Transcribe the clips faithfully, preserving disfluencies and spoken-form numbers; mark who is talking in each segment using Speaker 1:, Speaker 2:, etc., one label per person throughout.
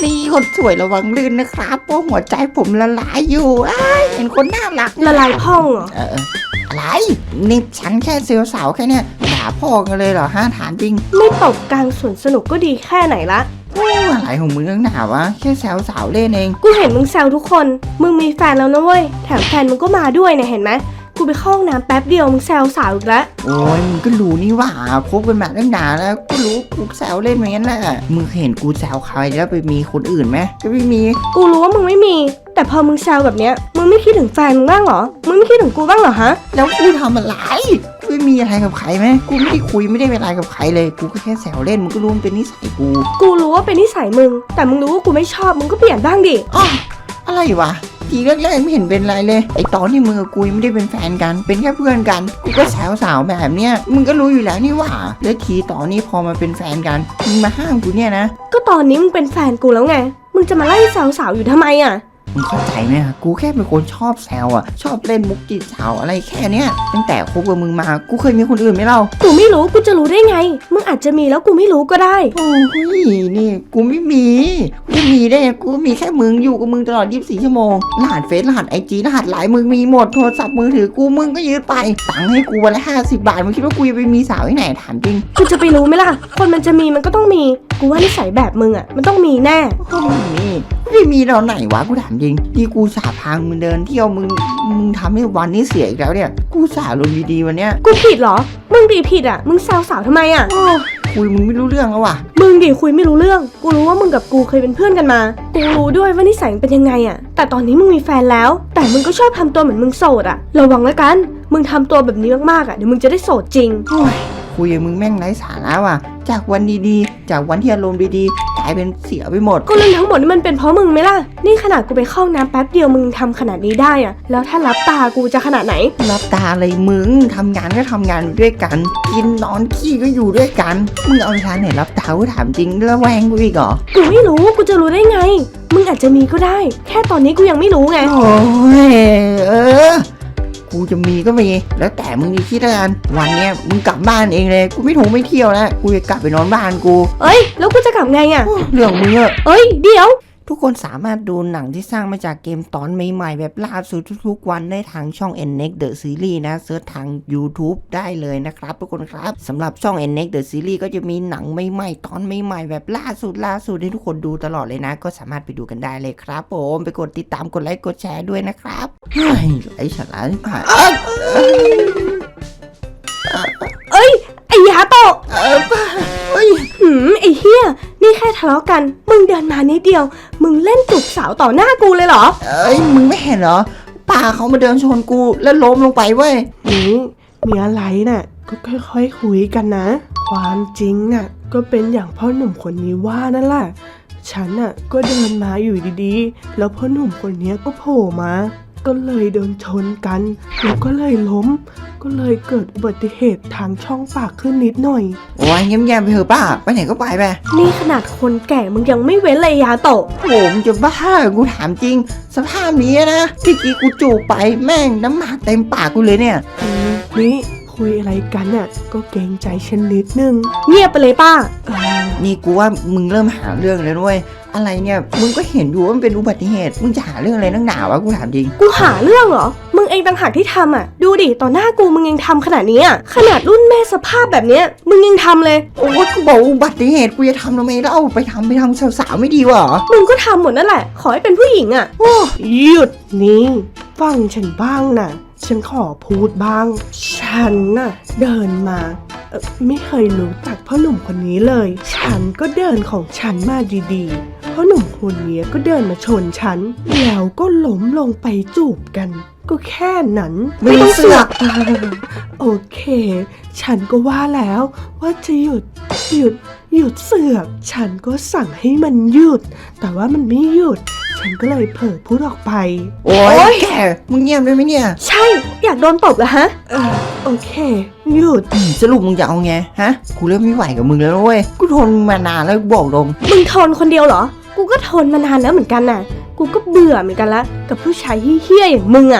Speaker 1: นี่คนสวยระวังลื่นนะครับเพราะหัวใจผมละลายอยู่เห็นคนน่ารัก
Speaker 2: ละลายพ่องเหรอ
Speaker 1: เอออะไรนี่ฉันแค่เซลล์สาวแค่เนี้ยด่าพ่อกันเลยเหรอฮะถามจริง
Speaker 2: ไม่ตบกลางสวนสนุกก็ดีแค่ไหนละ
Speaker 1: อะไรของมึงนักหนาวะแค่แซวสาวเล่นเอง
Speaker 2: กูเห็นมึงแซวทุกคนมึงมีแฟนแล้วนะเว้ยแถมแฟนมึงก็มาด้วยเนี่ยเห็นไหมกูไปเข้าห้องน้ำแป๊บเดียวมึงแซวสาวอีกแล้ว
Speaker 1: โอ้ยมึงก็รู้นี่ว่าคบกันมาตั้งนานแล้วกูรู้กูแซวเล่นอย่างนั้นแหละมึงเห็นกูแซวใครแล้วไปมีคนอื่นไหมก็ไม่มี
Speaker 2: กูรู้ว่ามึงไม่มีแต่พอมึงแซวแบบเนี้ยมึงไม่คิดถึงแฟนมึงบ้างเหรอมึงไม่คิดถึงกูบ้างเหรอฮะ
Speaker 1: แล้วกูทำอะไรกูไม่มีอะไรกับใครไหมกูไม่ได้คุยไม่ได้เป็นอะไรกับใครเลยกูก็แค่แซวเล่นมึงก็รู้มันเป็นนิสัยกู
Speaker 2: กูรู้ว่าเป็นนิสัยมึงแต่มึงรู้ว่ากูไม่ชอบมึงก็เปลี่ยนบ้างดิ
Speaker 1: อ๋ออะไรวะทีแรกๆไม่เห็นเป็นไรเลยไอตอนที่มึงกับกูไม่ได้เป็นแฟนกันเป็นแค่เพื่อนกันกูก็แซวสาวแบบเนี้ยมึงก็รู้อยู่แล้วนี่ว่าแล้วทีตอนนี้พอมาเป็นแฟนกันมึงมาห้ามกูเนี่ยนะ
Speaker 2: ก็ตอนนี้มึงเป็นแฟนกูแล้วไงมึงจะมาไล่แซวสาวอยู่ทำไมอ่ะ
Speaker 1: มึงเข้าใจไหมอะกูแค่เป็นคนชอบแซวอะชอบเล่นมุกจีบสาวอะไรแค่เนี้ยตั้งแต่คบกับมึงมากูเคยมีคนอื่นไหมเล่า
Speaker 2: กูไม่รู้กูจะรู้ได้ไงมึงอาจจะมีแล้วกูไม่รู้ก็ได้
Speaker 1: โอ้ยนี่กูไม่มีกูจะมีได้กูมีแค่มึงอยู่กับมึงตลอดยี่สิบสี่ชั่วโมงรหัสเฟซรหัสไอจีรหัสไลน์มึงมีหมดโทรศัพท์มือถือกูมึงก็ยืดไปตังค์ให้กูวันละห้าสิบบาทมึงคิดว่ากูจะไปมีสาวที่ไหนถามจริง
Speaker 2: กูจะไปรู้ไหมล่ะคนมันจะมีมันก็ต้องมีกูว่านิสัยแบบมึงอะมันต้องมีแน่
Speaker 1: ก็ไม่มีไม่มีเราไหนวะกูถามจริงที่กูสาพางมึงเดินเที่ยวมึงมึงทำให้วันนี้เสียอีกแล้วเนี่ยกูสาลงดีๆวันเนี้ย
Speaker 2: กูผิดเหรอมึงดีผิดอ่ะมึงแซวสาวทำไมอ่ะ
Speaker 1: คุยมึงไม่รู้เรื่องแล้วว่ะ
Speaker 2: มึงดิคุยไม่รู้เรื่องกูรู้ว่ามึงกับกูเคยเป็นเพื่อนกันมากูรู้ด้วยว่านิสัยเป็นยังไงอ่ะแต่ตอนนี้มึงมีแฟนแล้วแต่มึงก็ชอบทำตัวเหมือนมึงโสดอ่ะระวังแล้วกันมึงทำตัวแบบนี้มากๆอ่ะเดี๋ยวมึงจะได้โสดจริง
Speaker 1: คุยกับมึงแม่งไร้สาระว่ะจากวันดีๆจากวันที่อารมณ์ดีๆกลายเป็นเสียไปหมด
Speaker 2: ก็เรื่องทั้งหมดนี่มันเป็นเพราะมึงไหมล่ะนี่ขนาดกูไปเข้าน้ำแป๊บเดียวมึงทำขนาดนี้ได้อ่ะแล้วถ้ารับตากูจะขนาดไหน
Speaker 1: รับตาอะไรมึงทำงานก็ทำงานด้วยกันกินนอนขี้ก็อยู่ด้วยกันมึงเอาทางไหนรับตากูถามจริงแล้วแวงกูอีกเหรอ
Speaker 2: กูไม่รู้กูจะรู้ได้ไงมึงอาจจะมีก็ได้แค่ตอนนี้กูยังไม่รู้ไง
Speaker 1: โอ้ยเออกูจะมีก็มีแล้วแต่มึงดีคิดแล้วกันวันเนี้ยมึงกลับบ้านเองเลยกูไม่ถูไม่เที่ยวแล้วกูจะกลับไปนอนบ้านกู
Speaker 2: เอ้ยแล้วกูจะกลับไงอ่ะ
Speaker 1: เรื่องมึงอะ
Speaker 2: เอ้ยเดี๋ยว
Speaker 1: ทุกคนสามารถดูหนังที่สร้างมาจากเกมตอนใหม่ๆแบบล่าสุดทุกๆวันได้ทางช่อง เอ็น เน็กซ์ The Series นะเสิร์ชทาง YouTube ได้เลยนะครับทุกคนครับสำหรับช่อง เอ็น เน็กซ์ The Series ก็จะมีหนังใหม่ๆตอนใหม่ๆแบบล่าสุดล่าสุดให้ทุกคนดูตลอดเลยนะก็สามารถไปดูกันได้เลยครับผมไปกดติดตามกดไลค์กดแชร์ด้วยนะครับเฮ้ยไอ้ฉลาดผ่าน
Speaker 2: เอ้ยไอ้ยาโตะเอ้ยหืมไอ้เหี้ยนี่แค่ทะเลาะกันมึงเดินมานิดเดียวมึงเล่นจูบสาวต่อหน้ากูเลยเหรอ
Speaker 1: เอ้ยมึงไม่เห็นเหรอป้าเขามาเดินชนกูแล้วล้มลงไปเว้ย
Speaker 3: นี่มีอะไรน่ะก็ค่อยๆคุยกันนะความจริงน่ะก็เป็นอย่างพ่อหนุ่มคนนี้ว่านั่นแหละฉันน่ะก็เดินมาอยู่ดีๆแล้วพ่อหนุ่มคนนี้ก็โผล่มาก็เลยเดินชนกันแล้วก็เลยล้มก็เลยเกิดอุบัติเหตุทางช่องปากขึ้นนิดหน่อย
Speaker 1: โอ้ยเงียบๆไปเถอะป้าไปไหนก็ไปไป
Speaker 2: นี่ขนาดคนแก่มึงยังไม่เว้นเลยยาโตะ
Speaker 1: โหมึงจะบ้ากูถามจริงสภาพนี้นะพี่กี้กูจูบไปแม่งน้ำหมากเต็มปากกูเลยเนี่ย
Speaker 3: นี่คุยอะไรกันน่ะก็เกรงใจฉันนิดนึง
Speaker 2: เงียบไปเลยป้า
Speaker 1: นี่กูว่ามึงเริ่มหาเรื่องเลยด้วยอะไรเนี่ยมึงก็เห็นอยู่ว่ามันเป็นอุบัติเหตุมึงจะหาเรื่องอะไรนักหนาวะกูถามจริง
Speaker 2: กูหาเรื่องเหรอมึงเองต่างหากที่ทำอ่ะดูดิต่อหน้ากูมึงยังทำขนาดนี้อ่ะขนาดรุ่นแม่สภาพแบบเนี้ยมึงยังทำเลย
Speaker 1: โอ้ยกูบอกอุบัติเหตุกูจะทำทำไมแล้วเอาไปทำไปทำสาวๆไม่ดีวะ
Speaker 2: มึงก็ทำหมดนั่นแหละขอให้เป็นผู้หญิงอ่ะ
Speaker 3: โอ้หยุดนี่ฟังฉันบ้างนะฉันขอพูดบ้างฉันน่ะเดินมาเอ่อไม่เคยรู้จักพ่อหนุ่มคนนี้เลยฉันก็เดินของฉันมาดีๆพ่อหนุ่มคนนี้ก็เดินมาชนฉันแล้วก็ล้มลงไปจูบกันก็แค่นั้น
Speaker 1: ไม่ต้องเสือก
Speaker 3: โอเคฉันก็ว่าแล้วว่าจะหยุดหยุดหยุดเสือกฉันก็สั่งให้มันหยุดแต่ว่ามันไม่หยุดฉันก็เลยเผลอพูดออกไป
Speaker 1: โอ๊ยแกมึงเงียบได้ไหมเนี่ย
Speaker 2: ใช่อยากโดนตบเหรอฮะ
Speaker 3: เออโอเคหยุด
Speaker 1: สรุปมึงจะเอาไงฮะกูเริ่มไม่ไหวกับมึงแล้วเว้ยกูทนมานานแล้วบอกตรง
Speaker 2: มึงทนคนเดียวเหรอกูก็ทนมานานแล้วเหมือนกันน่ะกูก็เบื่อเหมือนกันละกับผู้ชายเหี้ยๆอย่างมึงอ่ะ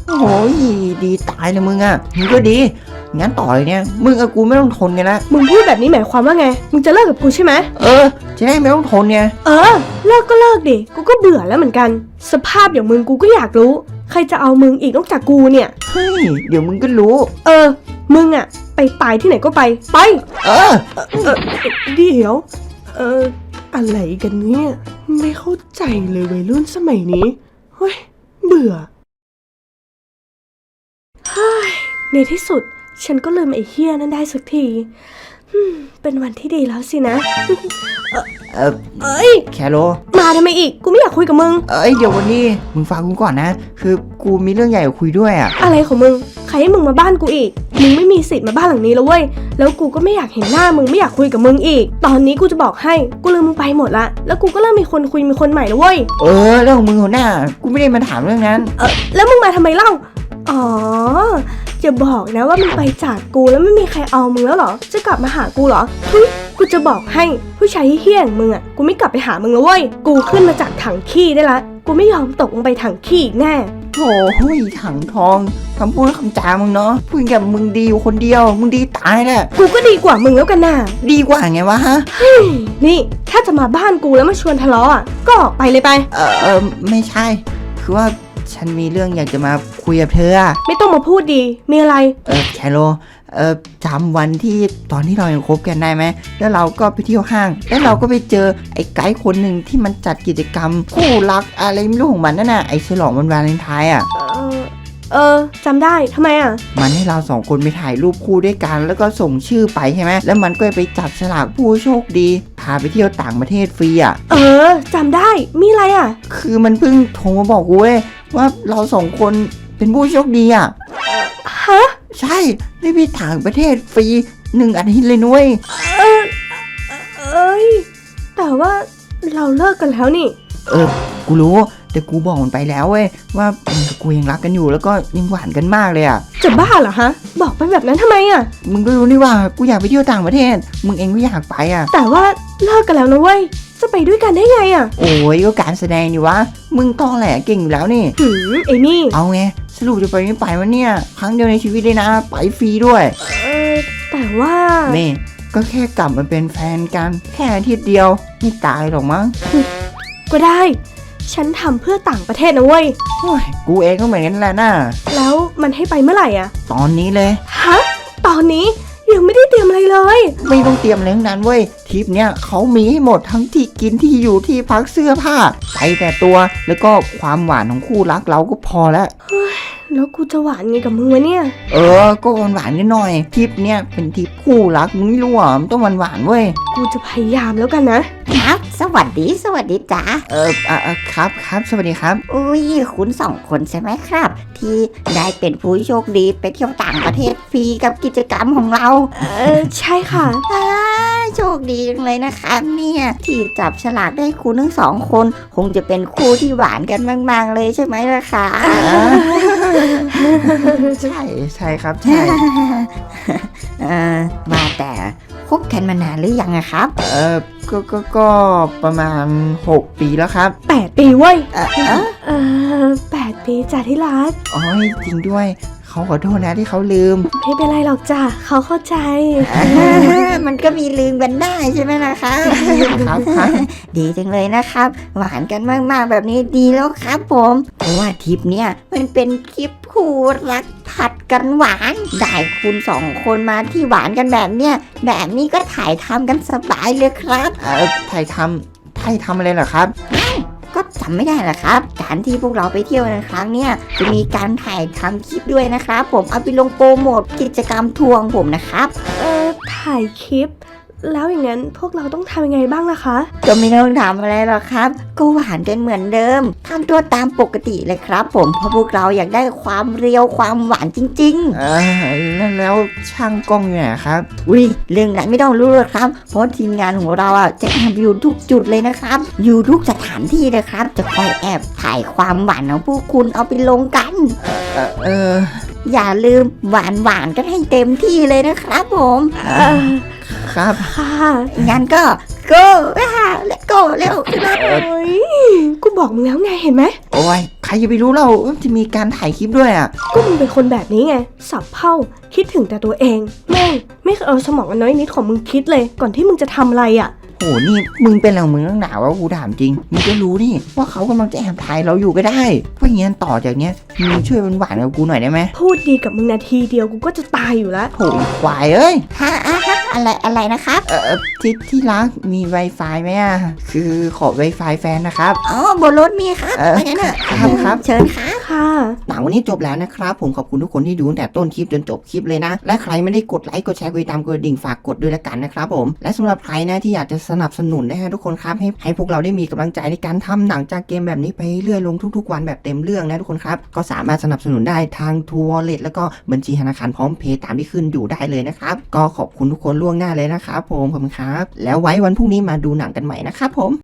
Speaker 1: โอ้ยดีตายเลยมึงอ่ะมึงก็ดีงั้นต่อเลยเนี่ยมึงกับกูไม่ต้องทนกันละ
Speaker 2: มึงพูดแบบนี้หมายความว่าไงมึงจะเลิกกับกูใช่ไหม
Speaker 1: เออจะได้ไม่ต้องทนไง
Speaker 2: เออเลิกก็เลิกดิกูก็เบื่อแล้วเหมือนกัน สภาพอย่างมึงกูก็อยากรู้ ใครจะเอามึงอีกนอกจากกูเนี่ย
Speaker 1: เฮ้ยเดี๋ยวมึงก็รู้
Speaker 2: เออมึงอะไปตายที่ไหนก็ไปไป
Speaker 1: เออ
Speaker 3: เดี๋ยว เอออะไรกันเนี่ย ไม่เข้าใจเลยวัยรุ่นสมัยนี้ เฮ้ย เบื่อ
Speaker 2: ในที่สุดฉันก็ลืมไอ้เฮี้ยนั่นได้สักทีฮึ่มเป็นวันที่ดีแล้วสินะ
Speaker 1: เออ
Speaker 2: เอ้ย
Speaker 1: แคโร
Speaker 2: มาทำไมอีกกูไม่อยากคุยกับมึง
Speaker 1: เอ้ยเดี๋ยววันนี้มึงฟังกูก่อนนะ คือกูมีเรื่องใหญ่คุยด้วยอ่ะ
Speaker 2: อะไรของมึงใครให้มึงมาบ้านกูอีกมึงไม่มีสิทธิ์มาบ้านหลังนี้แล้วเว้ยแล้วกูก็ไม่อยากเห็นหน้ามึงไม่อยากคุยกับมึงอีก ตอนนี้กูจะบอกให้กูลืมมึงไปหมดละแล้วกูก็เริ่มมีคนคุยมีคนใหม่แล้วเว้ย
Speaker 1: เออเรื่องของมึงหัวหน้ากูไม่ได้มาถามเรื่องนั้น
Speaker 2: เออแล้วมึงมาทำไมเล่าอ๋อจะบอกนะว่ามึงไปจากกูแล้วไม่มีใครเอามึงแล้วเหรอจะกลับมาหากูเหรอทุยกูจะบอกให้ผู้ชายเฮี้ยๆอย่างมึงอ่ะกูไม่กลับไปหามึงแล้วเว้ยกูขึ้นมาจากถังขี้ได้ละกูไม่ยอมตกลงไปถังขี้อีกแน่
Speaker 1: โถ่เฮ้ยถังทองคำพูดคำจามึงเนาะพูดกับมึงดีอยู่คนเดียว มึงดีตายแหละ
Speaker 2: กูก็ดีกว่ามึงแล้วกันน่ะ
Speaker 1: ดีกว่าไงวะฮะ
Speaker 2: นี่ถ้าจะมาบ้านกูแล้วมาชวนทะเลาะอ่ะก็ออกไปเลยไป
Speaker 1: เออเออไม่ใช่ คือว่าฉันมีเรื่องอยากจะมาคุยกับเธออะ
Speaker 2: ไม่ต้องมาพูดดีมีอะไร
Speaker 1: เออแคโรเออจำวันที่ตอนที่เรายังคบกันได้ไหมแล้วเราก็ไปเที่ยวห้าง แล้วเราก็ไปเจอไอ้ไกด์คนหนึ่งที่มันจัดกิจกรรมคู่รักอะไรไม่รู้ของมันนั่นน่ะไอ้ฉลองวันวาเลนไทน์อ่ะ
Speaker 2: เออเออจำได้ทำไมอ่ะ
Speaker 1: มันให้เราสองคนไปถ่ายรูปคู่ด้วยกัน แล้วก็ส่งชื่อไปใช่ไหมแล้วมันก็ไปจับฉลากผู้โชคดีพาไปเที่ยวต่างประเทศฟรีอ่ะ
Speaker 2: เออจำได้มีอะไรอ่ะ
Speaker 1: คือมันเพิ่งโทรมาบอกกูเว้ยว่าเราสองคนเป็นผู้โชคดีอ่ะ
Speaker 2: ฮะ
Speaker 1: ใช่ได้ไปต่างประเทศฟรีหนึ่งอาทิตย์เลยนุ้ย
Speaker 2: เออเอ้ยแต่ว่าเราเลิกกันแล้วนี่
Speaker 1: เออกูรู้แต่กูบอกมันไปแล้วเว้ยว่ามึงกับกูยังรักกันอยู่แล้วก็ยังหวานกันมากเลยอ่ะ
Speaker 2: จะบ้าเหรอฮะบอกไปแบบนั้นทำไมอ่ะ
Speaker 1: มึงก็รู้นี่ว่ากูอยากไปเที่ยวต่างประเทศ มึงเองก็อยากไปอ่ะ
Speaker 2: แต่ว่าเลิกกันแล้วนะเว้ยจะไปด้วยกันได้ไงอ่ะ
Speaker 1: โอ้ยก็การแสดงนี่วะมึงตอแหลเก่งอยู่แล้วนี่
Speaker 2: หืมไอ้นี่
Speaker 1: เอาไงสรุปจะไปไม่ไปวะเนี่ยครั้งเดียวในชีวิตเลยนะไปฟรีด้วย
Speaker 2: เออแต่ว่า
Speaker 1: เม่ก็แค่กลับมาเป็นแฟนกันแค่อาทิตย์เดียวไม่ตายหรอกมั้ง
Speaker 2: ก็ได้ ฉันทำเพื่อต่างประเทศนะเว้ย
Speaker 1: โอ้ยกูเองก็เหมือนกันแหละน่ะ
Speaker 2: แล้วมันให้ไปเมื่อไหร่อ่ะ
Speaker 1: ตอนนี้เลย
Speaker 2: ฮะตอนนี้ยังไม่ได้เตรียมอะไรเลย
Speaker 1: ไม่ต้องเตรียมอะไรทั้งนั้นเว้ยทริปเนี้ยเขามีให้หมดทั้งที่กินที่อยู่ที่พักเสื้อผ้าไปแต่ตัวแล้วก็ความหวานของคู่รักเราก็พอแล้ว
Speaker 2: แล้วกูจะหวานไงกับมึงวะเนี่ย
Speaker 1: เออก็หวานหวานๆนิดหน่อยทริปเนี้ยเป็นทริปคู่รักมึงไม่รู้เหรอมันต้องหวานหวานๆเว้ย
Speaker 2: กูจะพยายามแล้วกันนะ
Speaker 4: ครับ สวัสดี สวัสดีจ้า
Speaker 1: เอออ่ะอ่ะครับครับสวัสดีครับ
Speaker 4: อุ้ยคุณสองคนใช่ไหมครับ ที่ได้เป็นผู้โชคดีไปเที่ยวต่างประเทศฟรีกับกิจกรรมของเรา
Speaker 2: เออใช่ค่ะ
Speaker 4: อ่าโชคดีจังเลยนะครับเนี่ยที่จับฉลากได้คุณทั้งสองคน คงจะเป็นคู่ที่หวานกันมาก ๆ เลยใช่ไหมล่ะคะ
Speaker 1: ใช่ใช่ครับใช่
Speaker 4: เออว่าแต่คบกันมานานหรือยังอะครับ
Speaker 1: เออก็ก็ก็ประมาณหกปีแล้วครับ
Speaker 2: แปดปีเว้ย
Speaker 4: เออเออ
Speaker 2: เออแปดปีจ้ะที่รัก
Speaker 1: อ๋อจริงด้วยเขาขอโทษนะที่เขาลืม
Speaker 2: ไม่เป็นไรหรอกจ้ะเขาเข้าใจ
Speaker 4: มันก็มีลืมกันได้ใช่ไหมล่ะคะ
Speaker 1: ครับครับ
Speaker 4: ดีจังเลยนะครับ หวานกันมากๆแบบนี้ดีแล้วครับผม เพราะว่าทริปเนี้ยมันเป็นทริปคู่รักผัดกันหวานได้คุณสองคนมาที่หวานกันแบบเนี้ยแบบนี้ก็ถ่ายทำกันสบายเลยครับ
Speaker 1: เออไทยทำไทยทำอะไรเหรอครับ
Speaker 4: ก็จำไม่ได้เหรอครับ การที่พวกเราไปเที่ยวในครั้งเนี้ยจะมีการถ่ายทำคลิปด้วยนะครับ ผมเอาไปลงโปรโมทกิจกรรมทัวร์ของผมนะครับ
Speaker 2: เออถ่ายคลิป แล้วอย่างนั้นพวกเราต้องทำยังไงบ้างล่ะคะ
Speaker 4: ก็ไม่ต้องทำอะไรหรอกครับ ก็หวานกันเหมือนเดิมทำตัวตามปกติเลยครับ ผมเพราะพวกเราอยากได้ความเรียวความหวานจริง
Speaker 1: เออแล้วแล้วช่างกล้องอยู่ไหนครับ
Speaker 4: ๆ อุ้ยเรื่องนั้นไม่ต้องรู้หรอกครับ เพราะทีมงานของเราอ่ะจะแอบอยู่ทุกจุดเลยนะครับ อยู่ทุกสถานที่เลยครับ จะคอยแอบถ่ายความหวานของพวกคุณเอาไปลงกัน
Speaker 1: เออเออ
Speaker 4: อย่าลืมหวานหวานๆกันให้เต็มที่เลยนะครับผม
Speaker 2: เออ
Speaker 1: ครับ
Speaker 2: ค่ะ
Speaker 4: งั้นก็ go อ่า let's go เร็วขึ้นมา
Speaker 2: โอ้ยกูบอกมึงแล้วไงเห็นไหม
Speaker 1: โอ้ยใครจะไปรู้เราว่าจะมีการถ่ายคลิปด้วยอ่ะ
Speaker 2: ก็มึงเป็นคนแบบนี้ไง สับเผ่าคิดถึงแต่ตัวเองแม่งไม่เคยเอาสมองอันน้อยนิดของมึงคิดเลย ก่อนที่มึงจะทำอะไรอ่ะ
Speaker 1: โหนี่มึงเป็นอะไรของมึงตั้งหนาวะกูถามจริงมึงก็รู้นี่ว่าเขากำลังจะแอบถ่ายเราอยู่ก็ได้เพราะงั้นต่อจากเนี้ยมึงช่วยเป็นหวานกับกูหน่อยได้ไหม
Speaker 2: พูดดีกับมึงนาทีเดียวกูก็จะตายอยู่แล้ว
Speaker 1: โหควายเอ้ย
Speaker 4: ฮะอะฮะอะไรอะไรนะครับ
Speaker 1: เออเอ่อที่ที่รักมี Wi-Fi ไหมอ่ะคือขอ Wi-Fi แฟนนะครับ
Speaker 4: อ๋อบนรถมีครับ
Speaker 1: เออ
Speaker 4: ไปกันเถอะ
Speaker 1: ครับครับ
Speaker 4: เชิญครับ
Speaker 2: ค่ะ
Speaker 1: หนังวันนี้จบแล้วนะครับผมขอบคุณทุกคนที่ดูตั้งแต่ต้นคลิปจนจบคลิปเลยนะและใครไม่ได้กดไลค์กดแชร์กดติดตามกดกระดิ่งฝากกดด้วยละกันนะครับผมและสำหรับใครนะที่อยากจะสนับสนุนนะฮะทุกคนครับให้ให้พวกเราได้มีกำลังใจในการทำหนังจากเกมแบบนี้ไปเรื่อยลงทุกๆวันแบบเต็มเรื่องนะทุกคนครับก็สามารถสนับสนุนได้ทางทัวร์เลทแล้วก็บัญชีธนาคารพร้อมเพย์ตามที่ขึ้นอยู่ได้เลยนะครับก็ขอบคุณทุกคนล่วงหน้าเลยนะครับผมขอบคุณครับแล้วไว้วันพรุ่งนี้มาดูหนังกันใหม่นะครับผม